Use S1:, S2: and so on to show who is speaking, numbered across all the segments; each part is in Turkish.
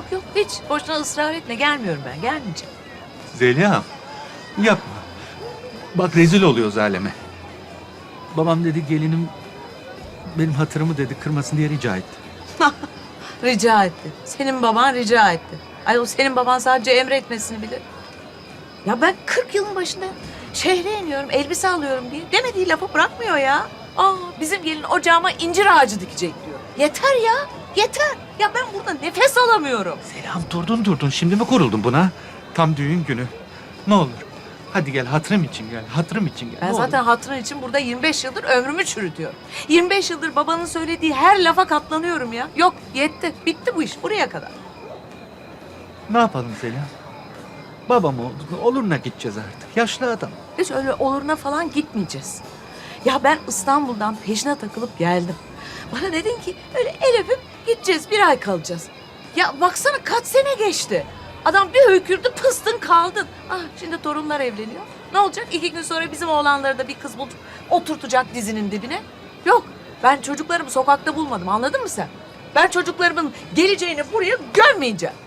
S1: Yok yok hiç. Boşuna ısrar etme. Gelmiyorum ben. Gelmeyeceğim.
S2: Zeliha, yapma. Bak rezil oluyoruz aleme. Babam dedi gelinim benim hatırımı dedi kırmasın diye rica etti.
S1: Rica etti. Senin baban rica etti. Ay o senin baban sadece emretmesini bilir. Ya ben 40 yılın başında şehre iniyorum, elbise alıyorum diye demediği lafı bırakmıyor ya. Bizim gelin ocağıma incir ağacı dikecek diyor. Yeter ya, yeter. Ya ben burada nefes alamıyorum.
S2: Selam durdun şimdi mi kuruldun buna? Tam düğün günü. Ne olur hadi gel hatırım için gel, hatırım için gel.
S1: Ben
S2: ne
S1: zaten
S2: olur.
S1: hatırın için burada 25 yıldır ömrümü çürütüyorum. 25 yıldır babanın söylediği her lafa katlanıyorum ya. Yok yetti, bitti bu iş buraya kadar.
S2: Ne yapalım Selam? Babam oldu, oluruna gideceğiz artık. Yaşlı adam.
S1: Hiç öyle oluruna falan gitmeyeceğiz. Ya ben İstanbul'dan peşine takılıp geldim. Bana dedin ki öyle el öpüp gideceğiz, bir ay kalacağız. Ya baksana kaç sene geçti. Adam bir hökürdü pıstın kaldın. Şimdi torunlar evleniyor. Ne olacak? 2 gün sonra bizim oğlanları da bir kız bulup oturtacak dizinin dibine. Yok ben çocuklarımı sokakta bulmadım, anladın mı sen? Ben çocuklarımın geleceğini buraya gömmeyeceğim.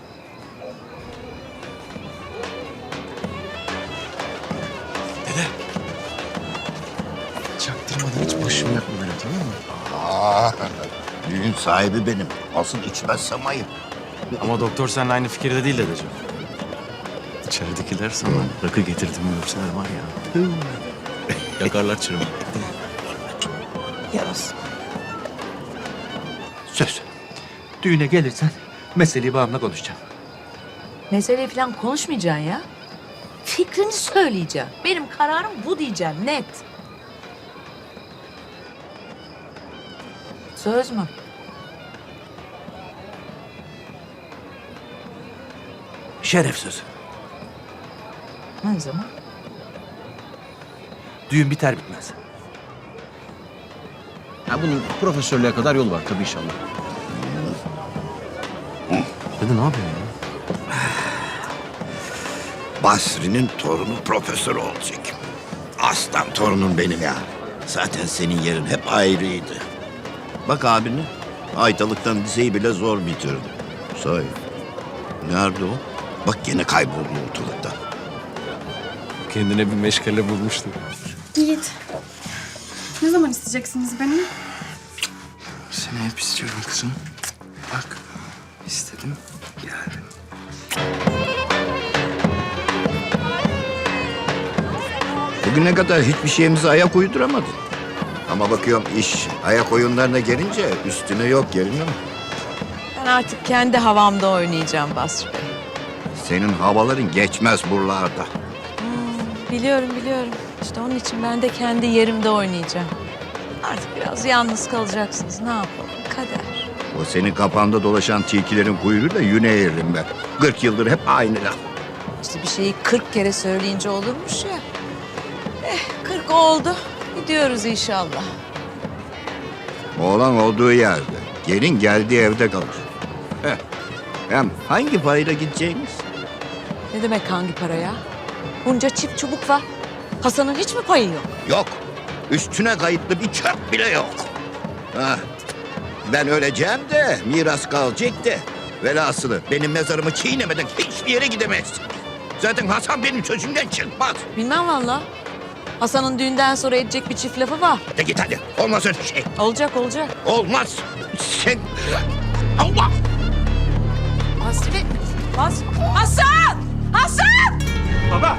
S3: Çaktırmadan hiç başımı yakma böyle, tamam mı?
S4: Aa, düğün sahibi benim. Asıl içmezsem ayıp.
S3: Ama doktor seninle aynı fikirde değil dedeciğim. İçeridekiler sana rakı getirdim görseler var ya. Yakarlar çırımı.
S1: Yarası.
S2: Söz. Düğüne gelirsen meseleyi babamla konuşacağım.
S1: Meseleyi falan konuşmayacaksın ya. Fikrini söyleyeceğim. Benim kararım bu diyeceğim, net. Söz mü?
S2: Şeref sözü.
S1: Ne zaman?
S2: Düğün biter bitmez.
S3: Ha, bunun profesörlüğe kadar yol var tabii inşallah. Dede ne yapıyorsun ya?
S4: Basri'nin torunu profesör olacak. Aslan torunum benim ya. Zaten senin yerin hep ayrıydı. Bak abini. Aytalıktan liseyi bile zor bitirdi. Sahi. Nerede o? Bak gene kayboldu ortalıkta.
S3: Kendine bir meşgale bulmuştu.
S5: Yiğit, ne zaman isteyeceksiniz beni?
S3: Seni hep istiyorum kızım. Bak, istedim, geldim.
S4: Bugüne kadar hiçbir şeyimize ayak uyduramadın. Ama bakıyorum iş ayak oyunlarına gelince üstüne yok gelin ama.
S1: Ben artık kendi havamda oynayacağım Basri Bey.
S4: Senin havaların geçmez buralarda.
S1: Biliyorum. İşte onun için ben de kendi yerimde oynayacağım. Artık biraz yalnız kalacaksınız. Ne yapalım? Kader.
S4: O senin kafanda dolaşan tilkilerin kuyruğu da yüne eğririm ben. 40 yıldır hep aynı laf.
S1: İşte bir şeyi 40 kere söyleyince olurmuş ya. 40 oldu. Gidiyoruz inşallah.
S4: Oğlan olduğu yerde, gelin geldiği evde kalır. Heh. Hem hangi parayla gideceğiniz?
S1: Ne demek hangi paraya? Bunca çift çubuk var. Hasan'ın hiç mi payı yok?
S4: Yok. Üstüne kayıtlı bir çöp bile yok. Hah. Ben öleceğim de miras kalacak da. Velhasılı benim mezarımı çiğnemeden hiçbir yere gidemezsin. Zaten Hasan benim sözümden çıkmaz.
S1: Bilmem valla. Hasan'ın düğünden sonra edecek bir çift lafı var.
S4: De git hadi. Olmaz öyle şey.
S1: Olacak.
S4: Olmaz. Sen... Allah!
S1: Basri Bey. Hasan! Hasan!
S2: Baba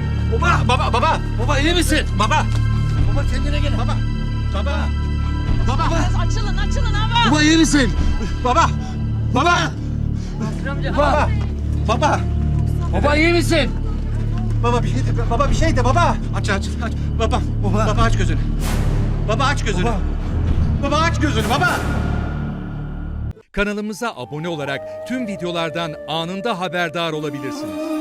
S2: iyi misin? Baba kendine gel baba. Baba.
S1: Açılın ama.
S2: Baba iyi misin? Baba. Baba iyi misin?
S6: Baba bir şey de baba. Aç. Baba aç gözünü. Baba aç gözünü. Baba aç gözünü baba.
S7: Kanalımıza abone olarak tüm videolardan anında haberdar olabilirsiniz.